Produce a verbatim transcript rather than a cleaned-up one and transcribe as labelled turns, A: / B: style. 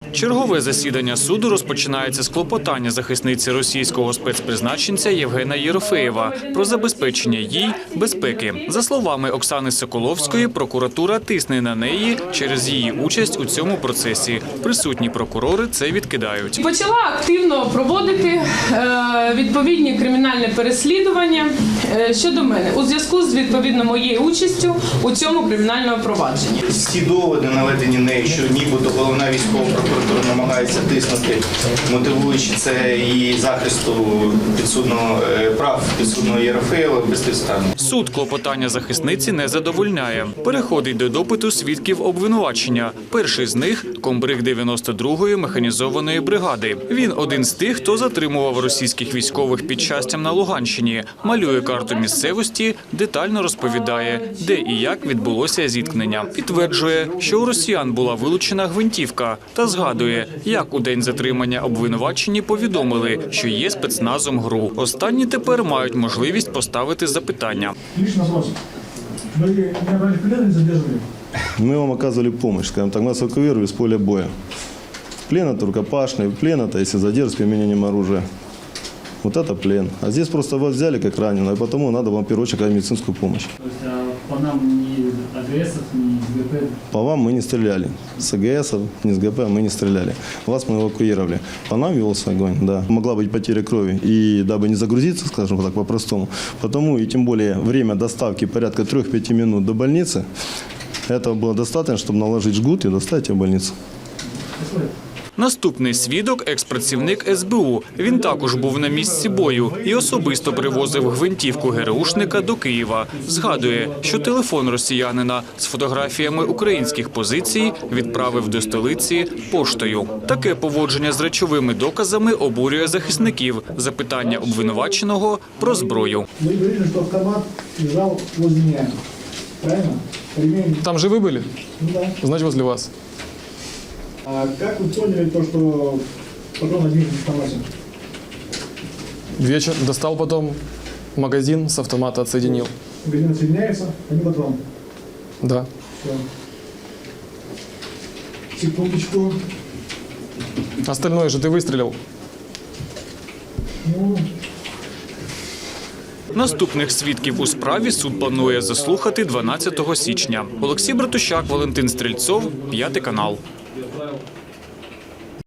A: Чергове засідання суду розпочинається з клопотання захисниці російського спецпризначенця Євгена Єрофеєва про забезпечення їй безпеки. За словами Оксани Соколовської, прокуратура тисне на неї через її участь у цьому процесі. Присутні прокурори це відкидають.
B: Почала активно проводити е, відповідні кримінальні переслідування е, щодо мене у зв'язку з відповідно моєю участю у цьому кримінальному провадженні.
C: Ці доводи, наведені нею, що нібито головна військова прокуратура намагається тиснути, мотивуючи це її захисту підсудного прав підсудного Єрофеєва, безпідставно.
A: Суд клопотання захисниці не задовольняє. Переходить до допиту свідків обвинувачення. Перший з них – комбриг дев'яносто другої механізованої бригади. Він один з тих, хто затримував російських військових під Щастям на Луганщині, малює карту місцевості, детально розповідає, де і як відбулося зіткнення. Підтверджує, що у росіян була вилучена гвинтівка та згадує, як у день затримання обвинувачені повідомили, що є спецназом ГРУ. Останні тепер мають можливість поставити запитання.
D: Мы вам оказывали помощь, скажем так, нас эвакуировали с поля боя. Плен – это рукопашный, плен – это если задержка с применением оружия. Вот это плен. А здесь просто вас взяли как раненого, и потому надо вам в первую очередь медицинскую помощь.
E: То есть а по нам ни АГСов, ни с ГП?
D: По вам мы не стреляли. С АГСов, ни с ГП мы не стреляли. Вас мы эвакуировали. По нам велся огонь, да. Могла быть потеря крови. И дабы не загрузиться, скажем так, по-простому, потому и тем более время доставки порядка трёх-пяти минут до больницы, этого было достаточно, чтобы наложить жгут и доставить в больницу.
A: Наступний свідок – експрацівник ес бе у. Він також був на місці бою і особисто привозив гвинтівку ГРУшника до Києва. Згадує, що телефон росіянина з фотографіями українських позицій відправив до столиці поштою. Таке поводження з речовими доказами обурює захисників. Запитання обвинуваченого про зброю.
F: Ви говорили, що автомат лежав возле мене. Правильно?
G: Там живы были?
F: Ну да.
G: Значит, возле вас.
F: А как вы поняли то, что патрон один из автомата?
G: Вечер достал потом магазин с автомата, отсоединил.
F: Магазин отсоединяется, а не патрон.
G: Да.
F: Все. Секундочку.
G: Остальное же ты выстрелил.
F: Ну...
A: Наступних свідків у справі суд планує заслухати дванадцятого січня. Олексій Братущак, Валентин Стрільцов, П'ятий канал.